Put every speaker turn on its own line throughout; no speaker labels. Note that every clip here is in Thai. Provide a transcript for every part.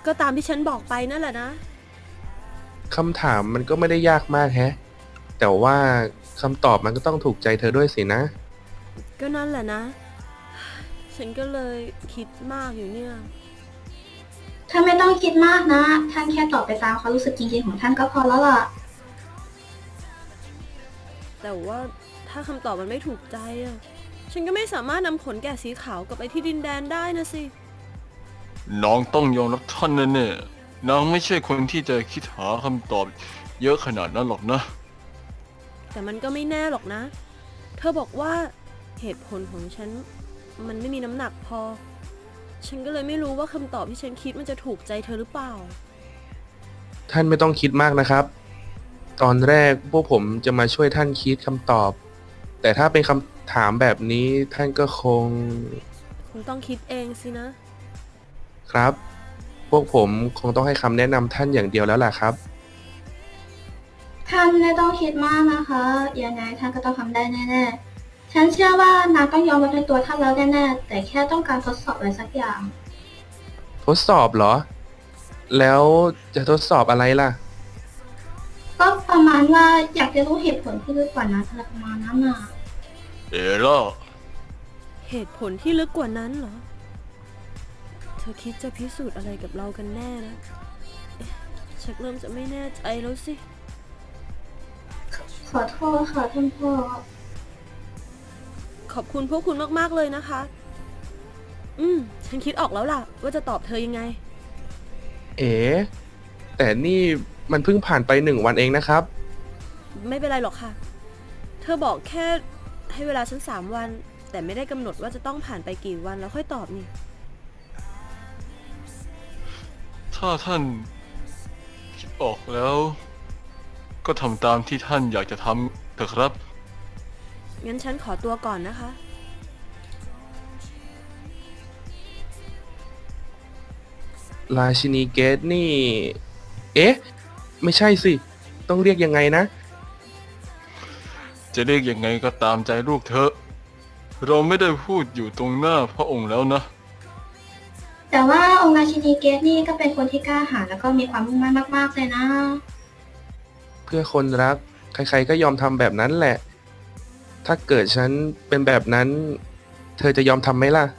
ก็ตามที่ฉันบอกไปนั่นแหละนะ
คำถามมันก็ไม่ได้ยากมากแฮะแต่ว่าคำตอบมันก็ต้องถูกใจเธอด้วยสินะ
ก็นั่นแหละนะฉันก็เลยคิดมากอยู่เนี่ย
ท่านไม่ต้องคิดมากนะท่านแค่ตอบไปตามความรู้สึกจริงๆของท่านก็พอแล้วล่ะ
แต่ว่าถ้าคำตอบมันไม่ถูกใจอะฉันก็ไม่สามารถนำขนแกะสีขาวกลับไปที่ดินแดนได้นะสิ
น้องต้องยอมรับท่านแน่ๆน้องไม่ใช่คนที่จะคิดหาคำตอบเยอะขนาดนั้นหรอกนะ
แต่มันก็ไม่แน่หรอกนะเธอบอกว่าเหตุผลของฉันมันไม่มีน้ำหนักพอฉันก็เลยไม่รู้ว่าคำตอบที่ฉันคิดมันจะถูกใจเธอหรือเปล่า
ท่านไม่ต้องคิดมากนะครับตอนแรกพวกผมจะมาช่วยท่านคิดคำตอบแต่ถ้าเป็นคำถามแบบนี้ท่านก็
คงต้องคิดเองสินะครับ
พวกผมคงต้องให้คำแนะนำท่านอย่างเดียวแล้วล่ะครับ
ท่านไม่ต้องคิดมากนะคะยังไงท่านก็ต้องทำได้แน่ๆฉันเชื่อว่านางต้องยอมรับในตัวท่านแล้วแน่ๆแต่แค่ต้องการทดสอบอะไรสักอย่าง
ทดสอบเหรอแล้วจะทดสอบอะไรล่ะ
ก็ประมาณว่าอยากจะรู้เหตุผลที่ลึกกว่านั้นอะไรประมาณนั้นน่ะ
เอล่า
เหตุผลที่ลึกกว่านั้นเหรอเธอคิดจะพิสูจน์อะไรกับเรากันแน่นะเอ๊ะชักเริ่มจะไม่แน่ใจแล้วสิ
ขอโทษค่ะท่านพ่อ
ขอบคุณพวกคุณมากๆเลยนะคะฉันคิดออกแล้วล่ะว่าจะตอบเธอยังไง
เอ๋แต่นี่มันเพิ่งผ่านไป1 วันเองนะครับ
ไม่เป็นไรหรอกค่ะเธอบอกแค่ให้เวลาฉัน3 วันแต่ไม่ได้กำหนดว่าจะต้องผ่านไปกี่วันแล้วค่อยตอบนี่
ถ้าท่านคิดออกแล้ว ก็ทำตามที่ท่านอยากจะทำเถอะครับ
งั้นฉันขอตัวก่อนนะคะ
ราชินีเกตนี่เอ๊ะไม่ใช่สิต้องเรียกยังไงนะ
จะเรียกยังไงก็ตามใจลูกเถอะเราไม่ได้พูดอยู่ตรงหน้าพระองค์แล้วนะ
แต่ว่าองค์ราชินีเกตนี่ก็เป็นคนที่กล้าหาญแล้วก็มีความมุ่งมั่นมากๆเลยนะ
เพื่อคนรักใครๆก็ยอมทำแบบนั้นแหละถ้าเกิดฉันเป็นแบบนั้นเธอจะยอมทำไหมล่ะ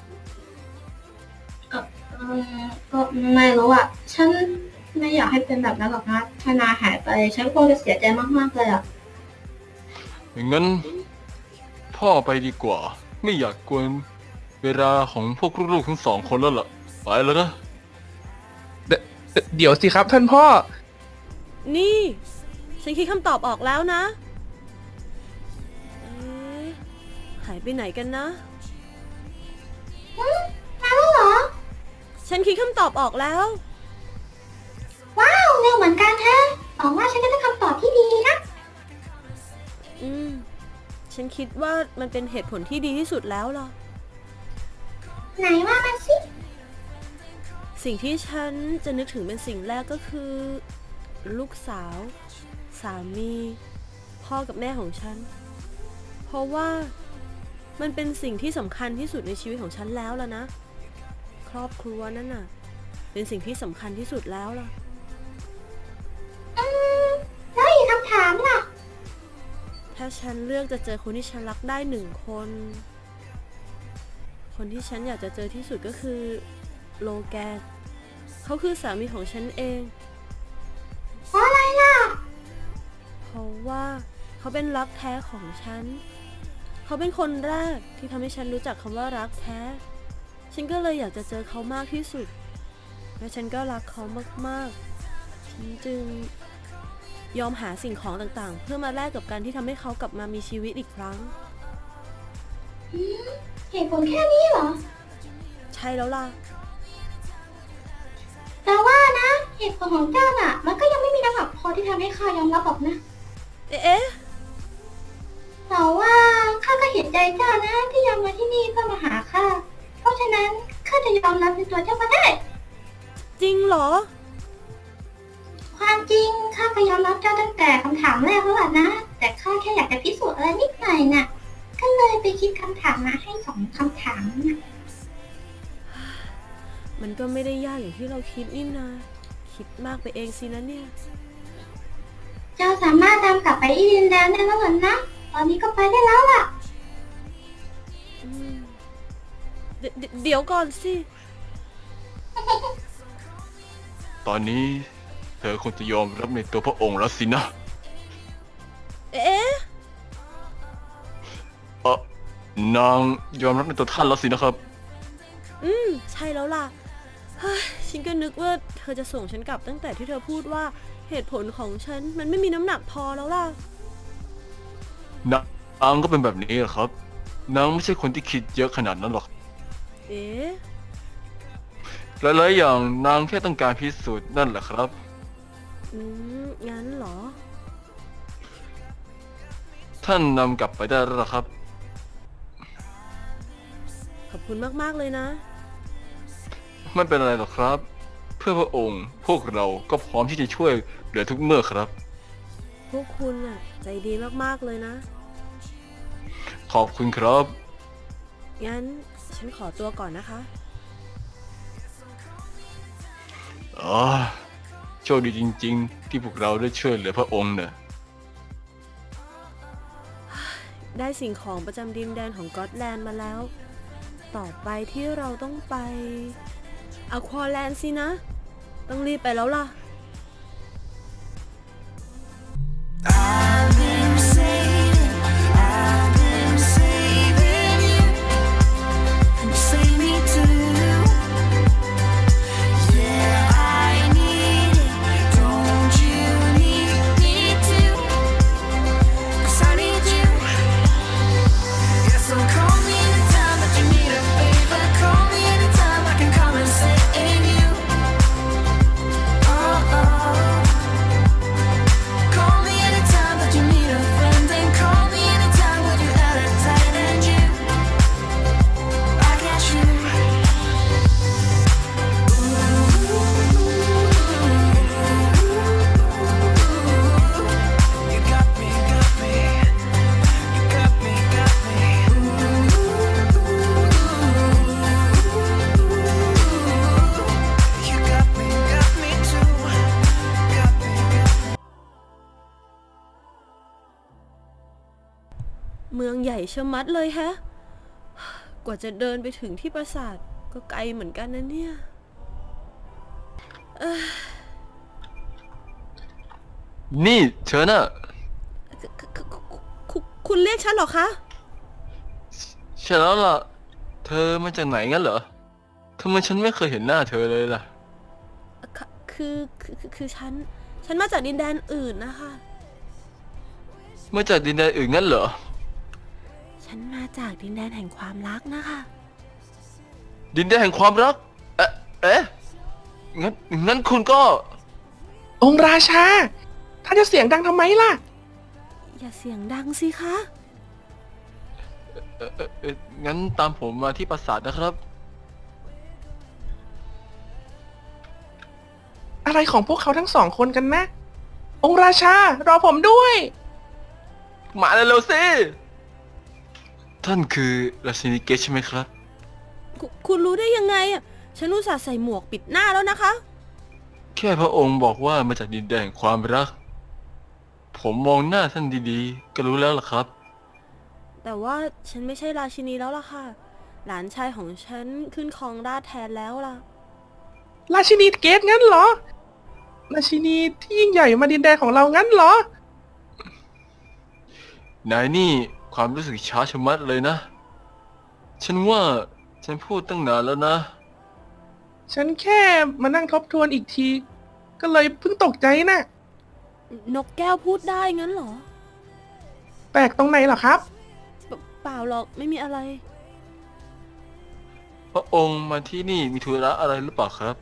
ก็ไม่รู้อ่ะฉันไม่อยากให้เป็นแบบนั้นหรอกนะถ้านายหายไปฉันคงจะเสียใจมากๆเลยอ่ะ
งั้นพ่อไปดีกว่าไม่อยากกวนเวลาของพวกลูกๆทั้งสองคนแล้วล่ะไปแล้วนะ
เดี๋ยวสิครับท่านพ่อ
นี่ฉันคิดคำตอบออกแล้วนะเอ๊ะหายไปไหนกันนะ
มาแล้วเหรอ
ฉันคิดคำตอบออกแล้ว
ว้าวเร็วเหมือนกันแฮะหวังว่าฉันจะได้คำตอบที่ดีนะ
อืมฉันคิดว่ามันเป็นเหตุผลที่ดีที่สุดแล้วล่ะ
ไหนว่ามาสิ
สิ่งที่ฉันจะนึกถึงเป็นสิ่งแรกก็คือลูกสาว สามี พ่อกับแม่ของฉัน เพราะว่ามันเป็นสิ่งที่สำคัญที่สุดในชีวิตของฉันแล้วล่ะนะ ครอบครัวนั่นน่ะเป็นสิ่งที่สำคัญที่สุดแล้วล่ะ
แล้วอีกคำถามล่ะ
ถ้าฉันเลือกจะเจอคนที่ฉันรักได้1 คน คนที่ฉันอยากจะเจอที่สุดก็คือโลแกนเขาคือสามีของฉันเอง
เพราะอะไรล่ะ
เพราะว่าเขาเป็นรักแท้ของฉันเขาเป็นคนแรกที่ทำให้ฉันรู้จักคำว่ารักแท้ฉันก็เลยอยากจะเจอเขามากที่สุดและฉันก็รักเขามากๆฉันจึงยอมหาสิ่งของต่างๆเพื่อมาแลกกับการที่ทำให้เขากลับมามีชีวิตอีกครั้ง
เหตุผลแค่นี้เหรอ
ใช่แล้วล่ะ
แต่ว่านะเหตุผลของเจ้าน่ะมันก็ยังไม่มีน้ำหนักพอที่ทำให้ข้ายอมรับหรอกนะ
เอ๊ะ
แต่ว่าข้าก็เห็นใจเจ้านะที่ยอมมาที่นี่เพื่อมาหาข้าเพราะฉะนั้นข้าจะยอมรับในตัวเจ้าก็ได้
จริงเหรอ
ความจริงข้าก็ยอมรับเจ้าตั้งแต่คำถามแรกแล้วล่ะนะแต่ข้าแค่อยากจะพิสูจน์อะไรนิดหน่อยน่ะก็เลยไปคิดคำถามมาให้2 คำถามน่ะ
มันก็ไม่ได้ยากอย่างที่เราคิดนี่นาคิดมากไปเองสินะเนี่ย
เจ้าสามารถตามกลับไปที่ดินแดนได้แล้วเหรอนะ ตอนนี้ก็ไปได้แล้วล่ะ
อืมเดี๋ยวก่อนสิ
ตอนนี้เธอคงจะยอมรับในตัวพระองค์แล้วสินะ
เอ๊ะ
นางยอมรับในตัวท่านแล้วสินะครับ
ใช่แล้วล่ะเฮ้ยฉันก็นึกว่าเธอจะส่งฉันกลับตั้งแต่ที่เธอพูดว่าเหตุผลของฉันมันไม่มีน้ำหนักพอแล้วล่ะ
นางก็เป็นแบบนี้แหละครับ นางไม่ใช่คนที่คิดเยอะขนาดนั้นหรอก
เอ๊ะ
หลายๆอย่างนางแค่ต้องการพิสูจน์นั่นแหละครับ
งั้นเหรอ
ท่านนำกลับไปได้แล้วล่ะครับ
ขอบคุณมากๆเลยนะ
ไม่เป็นไรหรอกครับ เพื่อพระองค์พวกเราก็พร้อมที่จะช่วยเหลือทุกเมื่อครับ
พวกคุณน่ะใจดีมากๆเลยนะ
ขอบคุณครับ
งั้นฉันขอตัวก่อนนะคะ
โชคดีจริงๆ ที่พวกเราได้ช่วยเหลือพระองค์เนี่ย
ได้สิ่งของประจำดินแดนของก็อตแลนด์มาแล้ว ต่อไปที่เราต้องไปอควาแลนด์สินะ ต้องรีบไปแล้วล่ะ
I've been saving you, and you save me too. Yeah, I need it. Don't you need me too? 'Cause I need you. Yeah, so call me anytime that you need a favor. Call me anytime I can come and save you. Oh, oh. Call me anytime that you need a friend, and call me anytime when you're at a tight end. You, I got you. You got me, got me. You got me, got me. You got me too. Got me, got me.
เมืองใหญ่ชะมัดเลยแฮะ กว่าจะเดินไปถึงที่ปราสาทก็ไกลเหมือนกันนะเนี่ย
นี่เธอน่ะ
คุณเรียกฉันเหรอคะ
ใช่แล้วล่ะ เธอมาจากไหนงั้นเหรอทำไมฉันไม่เคยเห็นหน้าเธอเลยล่ะ
คือฉันมาจากดินแดนอื่นนะคะ
มาจากดินแดนอื่นงั้นเหรอ
ฉันมาจากดินแดนแห่งความรักนะคะ
ดินแดนแห่งความรัก เอ๊ะ งั้นคุณก็
องค์ราชา ท่านจะเสียงดังทำไมล่ะ
อย่าเสียงดังสิคะ
งั้นตามผมมาที่ปราสาทนะครับ
อะไรของพวกเขาทั้งสองคนกันนะ องค์ราชารอผมด้วย
มาเร็วๆสิ ท่านคือราชินีเกตใช่ไหมครับ
คุณรู้ได้ยังไงอ่ะ ฉันอุตส่าห์ใส่หมวกปิดหน้าแล้วนะคะ
แค่พระองค์บอกว่ามาจากดินแดนแห่งความรัก ผมมองหน้าท่านดีๆ ก็รู้แล้วล่ะครับ
แต่ว่าฉันไม่ใช่ราชินีแล้วล่ะค่ะ หลานชายของฉันขึ้นครองราชย์แทนแล้วล่ะ
ราชินีเกตงั้นเหรอ ราชินีที่ยิ่งใหญ่มาดินแดนของเรางั้นเหรอ
นายนี่ความรู้สึกช้าชะมัดเลยนะ ฉันว่าฉันพูดตั้งนานแล้วนะ
ฉันแค่มานั่งทบทวนอีกที ก็เลยเพิ่งตกใจน่ะ
นกแก้วพูดได้งั้นเหรอ
แปลกตรงไหนเหรอครับ
เปล่าหรอกไม่มีอะไร
พระองค์มาที่นี่มีธุระอะไรหรือเปล่าครับ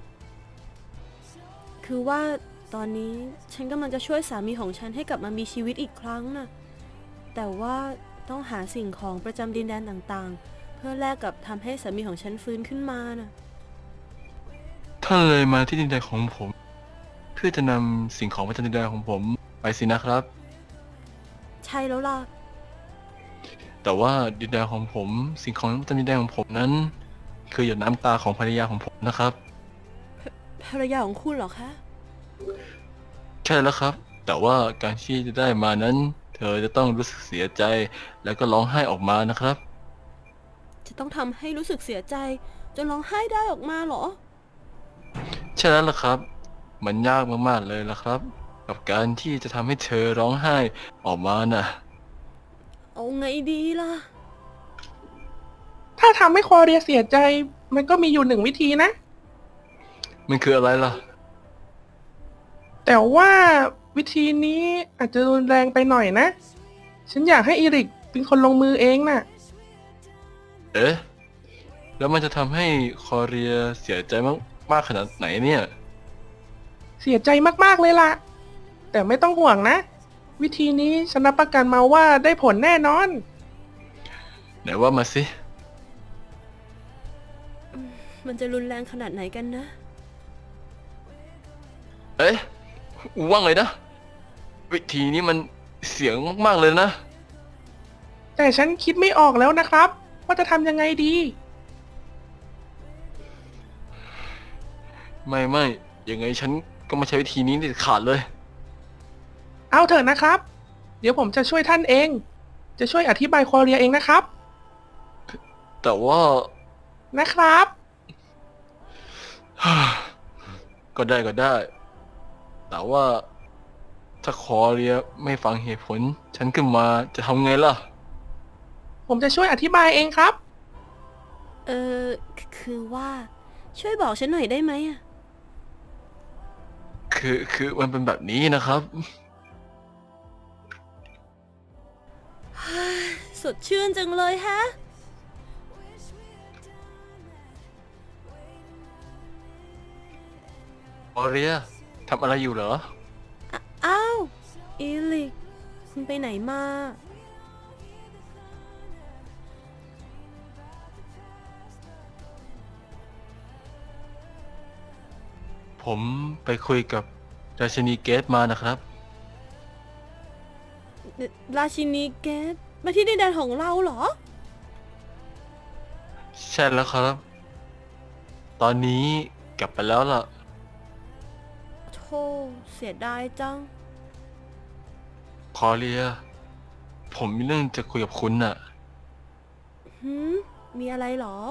คือว่าตอนนี้ฉันกำลังจะช่วยสามีของฉันให้กลับมามีชีวิตอีกครั้งน่ะ แต่ว่าต้องหาสิ่งของประจำดินแดนต่างๆ เพื่อแลกกับทำให้สามีของฉันฟื้นขึ้นมาน่ะ
ท่านเลยมาที่ดินแดนของผม เพื่อจะนำสิ่งของประจำดินแดนของผมไปสินะครับ
ใช่แล้วล่ะ
แต่ว่าดินแดนของผม สิ่งของประจำดินแดนของผมนั้นคือหยดน้ำตาของภรรยาของผมนะครับ
ภรรยาของคุณเหรอคะ
ใช่แล้วครับ แต่ว่าการที่จะได้มานั้น เธอจะต้องรู้สึกเสียใจ แล้วก็ร้องไห้ออกมานะครับ
จะต้องทำให้รู้สึกเสียใจจนร้องไห้ได้ออกมาเหรอ
ใช่แล้วล่ะครับ มันยากมากๆเลยล่ะครับ กับการที่จะทำให้เธอร้องไห้ออกมาน่ะ
เอาไงดีล่ะ
ถ้าทำให้คอเรียเสียใจ มันก็มีอยู่หนึ่งวิธีนะ
มันคืออะไรล่ะ
แต่ว่าวิธีนี้อาจจะรุนแรงไปหน่อยนะ ฉันอยากให้อีริกเป็นคนลงมือเองน่ะ
เอ๊ะ แล้วมันจะทำให้คอเรียเสียใจมากขนาดไหนเนี่ย
เสียใจมากๆเลยล่ะ แต่ไม่ต้องห่วงนะ วิธีนี้ฉันรับประกันมาว่าได้ผลแน่นอน
ไหนว่ามาสิ
มันจะรุนแรงขนาดไหนกันนะ
เอ๊ะ ว่าไงนะ วิธีนี้มันเสียงมากๆเลยนะ
แต่ฉันคิดไม่ออกแล้วนะครับ ว่าจะทำยังไงดี
ไม่ยังไงฉันก็ไม่ใช้วิธีนี้เด็ดขาดเลย
เอาเถอะนะครับ เดี๋ยวผมจะช่วยท่านเอง จะช่วยอธิบายคอเรียเองนะครับ
แต่ว่า
นะครับ
ก็ได้ แต่ว่าถ้าคอเรียไม่ฟังเหตุผล ฉันขึ้นมาจะทำไงล่ะ
ผมจะช่วยอธิบายเองครับ
เออคือว่าช่วยบอกฉันหน่อยได้ไหมอะ
คือมันเป็นแบบนี้นะครับ
สดชื่นจังเลยฮะ
คอเรียทำอะไรอยู่เหรอ
อ้าวอีลิกคุณไปไหนมา
ผมไปคุยกับราชินีเกตมานะครับ
ราชินีเกตมาที่ดินแดนของเราเหรอ
ใช่แล้วครับ ตอนนี้กลับไปแล้วล่ะ
โธ่เสียดายจัง
คอเรีย ผมมีเรื่องจะคุยกับคุณน่ะ
มีอะไรเหรอ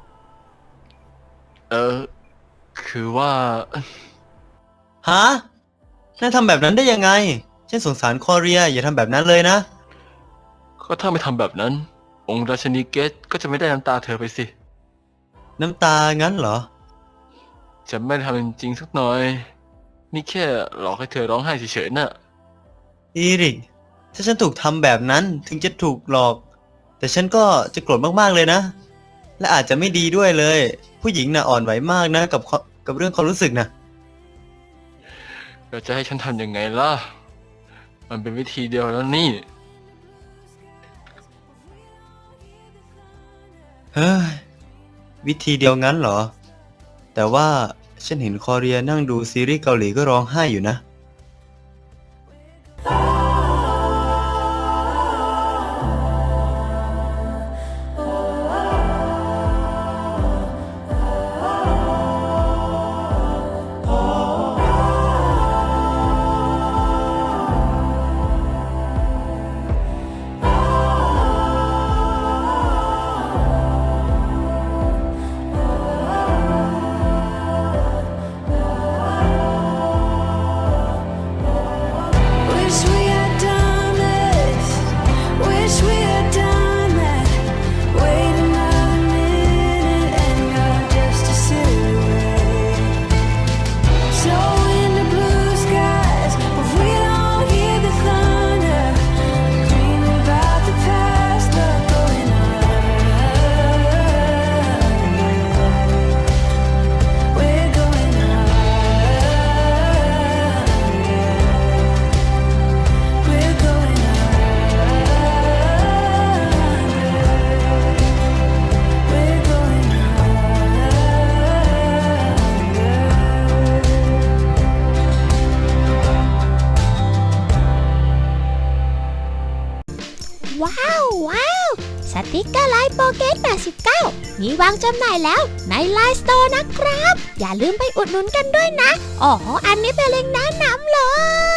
คือว่า
ฮะนายทำแบบนั้นได้ยังไง ฉันสงสารคอเรียอย่าทำแบบนั้นเลยนะ
ก็ถ้าไม่ทำแบบนั้น องค์ราชินีเกตก็จะไม่ได้น้ำตาเธอไปสิ
น้ำตางั้นเหรอ
จะไม่ทำจริงๆสักหน่อย นี่แค่หลอกให้เธอร้องไห้เฉยๆน่ะ
อีริก ถ้าฉันถูกทำแบบนั้นถึงจะถูกหลอก แต่ฉันก็จะโกรธมากๆเลยนะ และอาจจะไม่ดีด้วยเลย ผู้หญิงน่ะอ่อนไหวมากนะกับเรื่องความรู้สึกนะ
เราจะให้ฉันทำยังไงล่ะ มันเป็นวิธีเดียวแล้วนี่
เฮ้ย วิธีเดียวงั้นเหรอ แต่ว่าฉันเห็นคอเรียนั่งดูซีรีส์เกาหลีก็ร้องไห้อยู่นะ
ติ๊กเกอร์ไลน์โปเกต89มีวางจำหน่ายแล้วในไลน์สโตร์นะครับอย่าลืมไปอุดหนุนกันด้วยนะอ๋ออันนี้เป็นเล็งก์แนะนำเลย